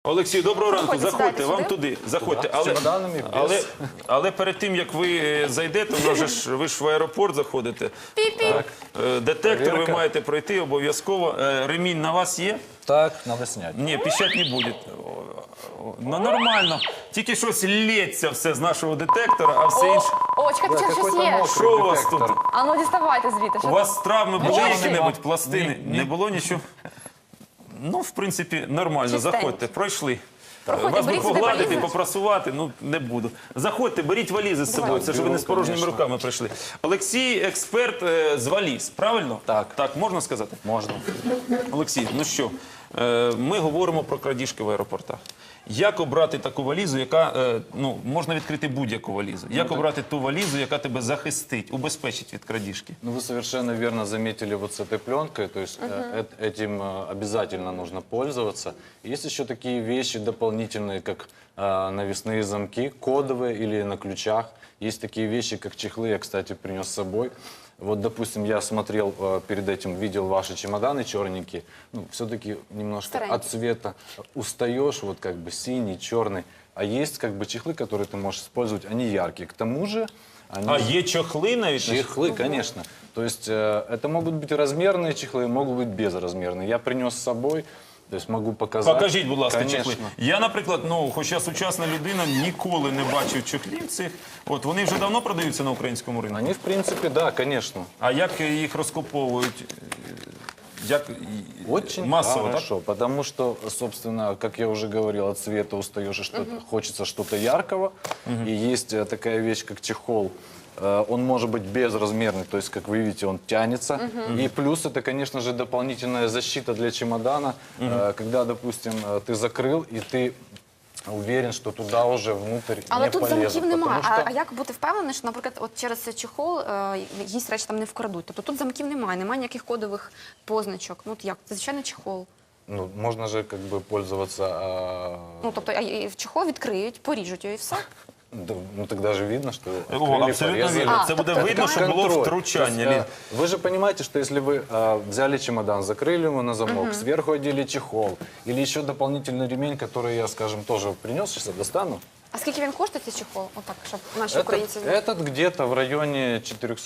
Олексій, доброго ранку. Заходьте, Заходьте, сідайте вам сюди. туди. Заходьте. З чемоданами, без. Але перед тим, як ви зайдете, ви ж в аеропорт заходите. Так. Детектор ви Проверка. маєте пройти обов'язково. Ремінь на вас є? Так, надо снять. Ні, пищать не буде. Ну, нормально. Тільки щось лється все з нашого детектора, а все інше. О, чекайте, чи щось какой-то є? мокрый Що у вас тут? детектор. А ну діставайте звідти. У Що вас травми були Нічого. які-небудь, пластини? Не було нічого? Ну, в принципі, нормально. Чистенько. Заходьте, пройшли. Проходьте, Вас би беріть сюди погладити, валізи. попрасувати, ну, не буду. Заходьте, беріть валізи з собою, це ж ви не з порожніми Конечно. руками прийшли. Олексій – експерт з валіз, правильно? Так. Так, можна сказати? Можно. Олексій, ну що, ми говоримо про крадіжки в аеропортах. Як обрати таку валізу, яка, ну, можна відкрити будь-яку валізу. Як обрати ту валізу, яка тебе захистить, убезпечить від крадіжки? Ну, вы совершенно верно заметили вот с этой пленкой, то есть этим обязательно нужно пользоваться. Есть еще такие вещи дополнительные, как навесные замки, кодовые или на ключах. Есть такие вещи, как чехлы, я, кстати, принес с собой. Вот, допустим, я смотрел перед этим, видел ваши чемоданы черненькие. Ну, все-таки немножко Старенькие. от цвета устаешь, вот как бы синий, черный. А есть как бы чехлы, которые ты можешь использовать, они яркие. К тому же... Они... А є чохли навіть? Чехлы, конечно. То есть это могут быть размерные чехлы, могут быть безразмерные. Я принес с собой, то есть могу показать. Покажіть, будь ласка, Конечно. чехли. Я, наприклад, ну, хоча сучасна людина, ніколи не бачив чохлів цих. От, вони вже давно продаються на українському ринку. Они, в принципе, да, конечно. А як їх розкуповують? Як Очень масово, так? хорошо, потому что, собственно, как я уже говорил, от цвета устаешь, и хочется что-то яркого. И есть такая вещь, как чехол. Он может быть безразмерный, то есть, как вы видите, он тянется. И плюс это, конечно же, дополнительная защита для чемодана, когда, допустим, ты закрыл, и ты уверен, что туда уже внутрь Але не тут полезут. замків немає. Потому что- А як бути впевненим, що, наприклад, от через цей чехол якісь речі там не вкрадуть? Тобто тут замків немає, немає ніяких кодових позначок. Ну от як? Це звичайний чехол. Ну, можно же как бы пользоваться... Ну тобто в чехол відкриють, поріжуть його і все. да, ну, тогда же видно, что... О, открыли, абсолютно порезали. вірно. Це буде тобто видно, що було Контроль. втручання. То есть, вы же понимаете, что если вы взяли чемодан, закрыли его на замок, сверху одели чехол, или еще дополнительный ремень, который я, скажем, тоже принес, сейчас я достану. А скільки він коштує, цей чехол? Отак, щоб наші українці знали. Этот где-то в районе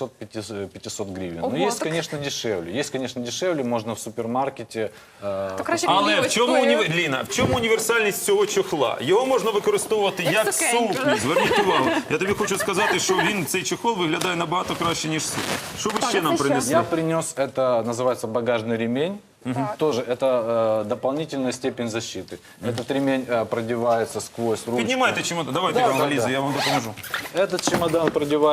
400-500 гривен. Ого, Но есть, так- конечно, дешевле. Есть, конечно, дешевле, можно в супермаркете. То краще Але в чому, плівочкою. Ліна, в чому універсальність цього чохла? Його можна використовувати як сукеньку. сукню. Зверніть увагу. Я тобі хочу сказати, що цей чохол виглядає набагато краще, ніж сукня. Що ви ще нам це що? принесли? Я принес, это называется багажный ремень. Тоже это дополнительная степень защиты. Этот ремень продевается сквозь ручку. Піднімайте чемодан, давайте я вам валізи, я вам допоможу. Этот чемодан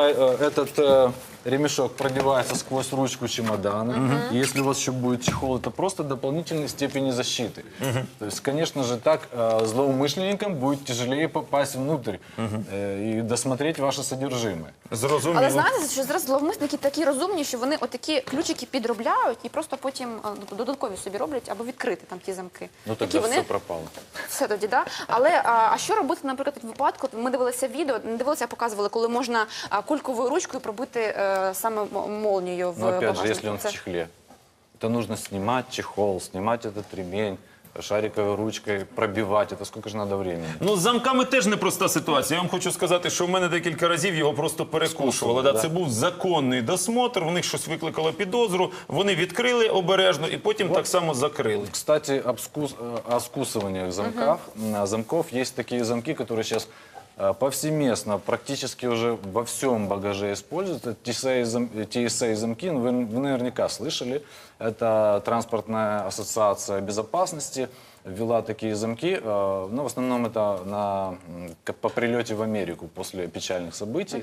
этот ремешок продевается сквозь ручку чемодана. Если у вас еще будет чехол, это просто дополнительные степени защиты. То есть, конечно же, так злоумышленникам будет тяжелее попасть внутрь и досмотреть ваше содержимое. Зрозуміло. Але знаєте, що зараз зловмисники такі розумні, що вони отакі ключики підробляють і просто потім додаткові собі роблять, аби відкрити там ті замки. Ну Такі тогда вони все пропало. все тоді, да? Але а що робити, наприклад, в випадку? Ми дивилися відео, не дивилися, а показували, коли можна кульковою ручкою пробити саме молнію в Но опять же, багажнику. если он в Це- чехле, это нужно снимать чехол, снимать этот ремень, шариковой ручкой пробивать. Это сколько же надо времени? Ну, з замками теж непроста ситуація. Я вам хочу сказати, що в мене декілька разів його просто перекушували. Да, да. це був законний досмотр, в них щось викликало підозру, вони відкрили обережно і потім так само закрили. Кстати, о скусываниях замков. Есть такие замки, которые сейчас повсеместно, практически уже во всем багаже используют. Это TSA замки, ну, вы наверняка слышали. Это транспортная ассоциация безопасности ввела такие замки. Но в основном это по прилете в Америку после печальных событий.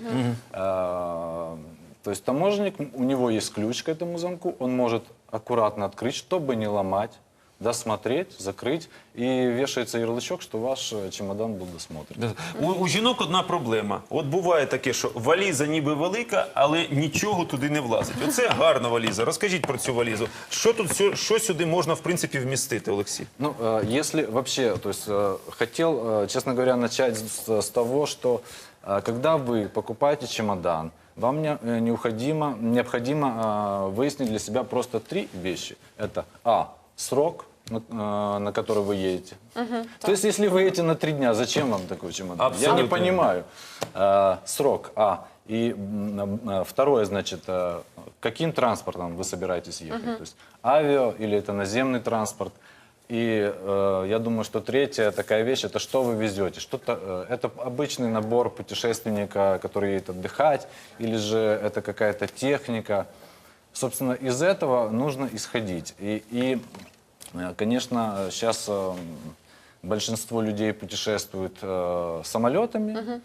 То есть таможенник, у него есть ключ к этому замку, он может аккуратно открыть, чтобы не ломать, досмотреть, закрыть, и вешается ярлычок, что ваш чемодан был досмотрен. У жінок одна проблема. От буває таке, що валіза ніби велика, але нічого туди не влазить. Оце гарна валіза. Розкажіть про цю валізу. Що тут, що сюди можна, в принципі, вмістити, Олексій? Ну, если вообще, то есть хотел, честно говоря, начать с того, что когда вы покупаете чемодан, вам необходимо выяснить для себя просто 3 вещи. Это срок, на который вы едете. То есть, если вы едете на 3 дня, зачем вам такой чемодан? Я Абсолютно. не понимаю. Срок, И второе, значит, каким транспортом вы собираетесь ехать? То есть авиа или это наземный транспорт? И я думаю, что третья такая вещь, это что вы везете. Это обычный набор путешественника, который едет отдыхать, или же это какая-то техника. Собственно, из этого нужно исходить. Конечно, сейчас большинство людей путешествуют самолетами.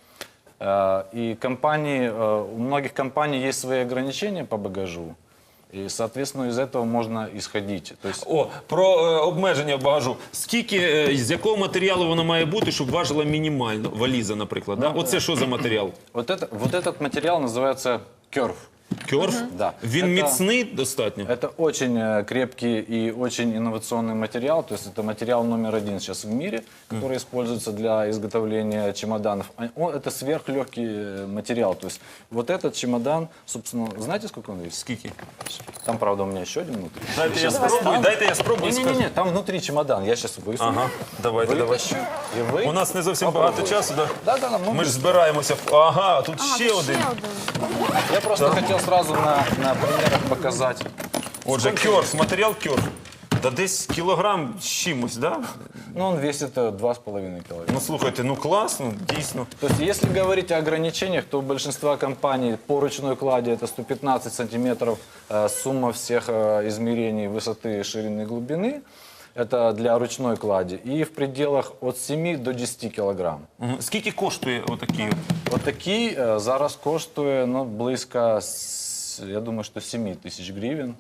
И у многих компаний есть свои ограничения по багажу. І, соответственно, із цього можна ісходити. Про обмеження багажу. Скільки, з якого матеріалу воно має бути, щоб важила мінімально? Валіза, наприклад. Да? Оце що за матеріал? Вот этот материал называется керф. Кьорф? Да. Він Это- міцний достатньо? Это очень крепкий и очень инновационный материал. То есть это материал номер 1 сейчас в мире, который используется для изготовления чемоданов. Это сверхлегкий материал. То есть вот этот чемодан, собственно, знаете, сколько он весит? Скільки? Там, правда, у меня еще один внутри. Дайте я спробую. скажу. Не-не-не, там внутри чемодан. Я сейчас высуну. Ага, давайте. Вытащу. И вы... У нас не зовсім багато часу. Да? Да, Ми ж збираємося. Ага, тут ще один. Я просто хотел сразу на примерах показать. Отже, кьорф, матеріал кьорф. Та десь кілограм з чимось, да? Ну, он весит 2,5 килограмма. Ну слухайте, ну класно, дійсно. То есть, если говорить о ограничениях, то у большинства компаний по ручной клади это 115 сантиметров сумма всех измерений высоты, ширины и глубины. Это для ручной клади. И в пределах от 7 до 10 килограмм. Мгм. Скільки коштує отакий? Вот такий зараз коштує близько, я думаю, що 7 тисяч гривень.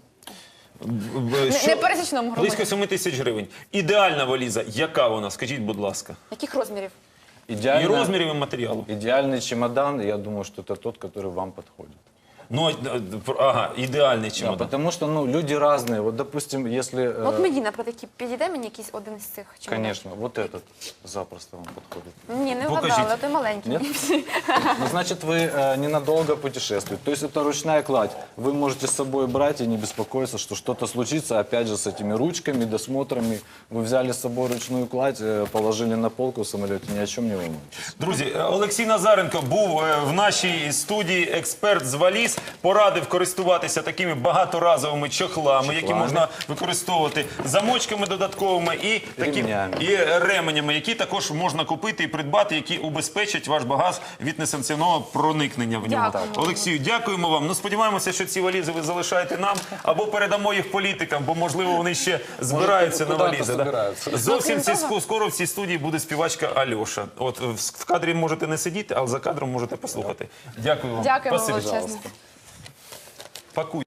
Не пересічному Близько громадянину. 7 тисяч гривень. Ідеальна валіза, яка вона? Скажіть, будь ласка. Яких розмірів? І розмірів, і матеріалу. Идеальный чемодан, я думаю, что это тот, который вам подходит. Ну, ага, ідеальний Да, чемодан. потому что люди разные. Вот, допустим, если... От мені, наприклад, підійде мені якийсь один з цих чемоданів? Конечно, вот этот запросто вам подходит. Ні, не Покажіть. вгадали, а той маленький. Нет? Ну, значит, вы ненадолго путешествуете. То есть это ручная кладь. Вы можете с собой брать и не беспокоиться, что что-то случится, опять же, с этими ручками, досмотрами. Вы взяли с собой ручную кладь, положили на полку в самолете, ни о чем не волнуйтесь. Друзі, Олексій Назаренко був в нашій студії експерт з валіз, порадив користуватися такими багаторазовими чохлами, які можна використовувати замочками додатковими і Ремнями. і ременями, які також можна купити і придбати, які убезпечать ваш багаж від несанкціонованого проникнення в нього. Дякуємо. Олексію, дякуємо вам. Ну, сподіваємося, що ці валізи ви залишаєте нам або передамо їх політикам, бо, можливо, вони ще збираються на куди-то валізи. Да? збираються. Зовсім крім того- скоро в цій студії буде співачка Альоша. От в кадрі можете не сидіти, але за кадром можете послухати. Дякую вам. Дякуємо Спасибі. величезно. Пакуй.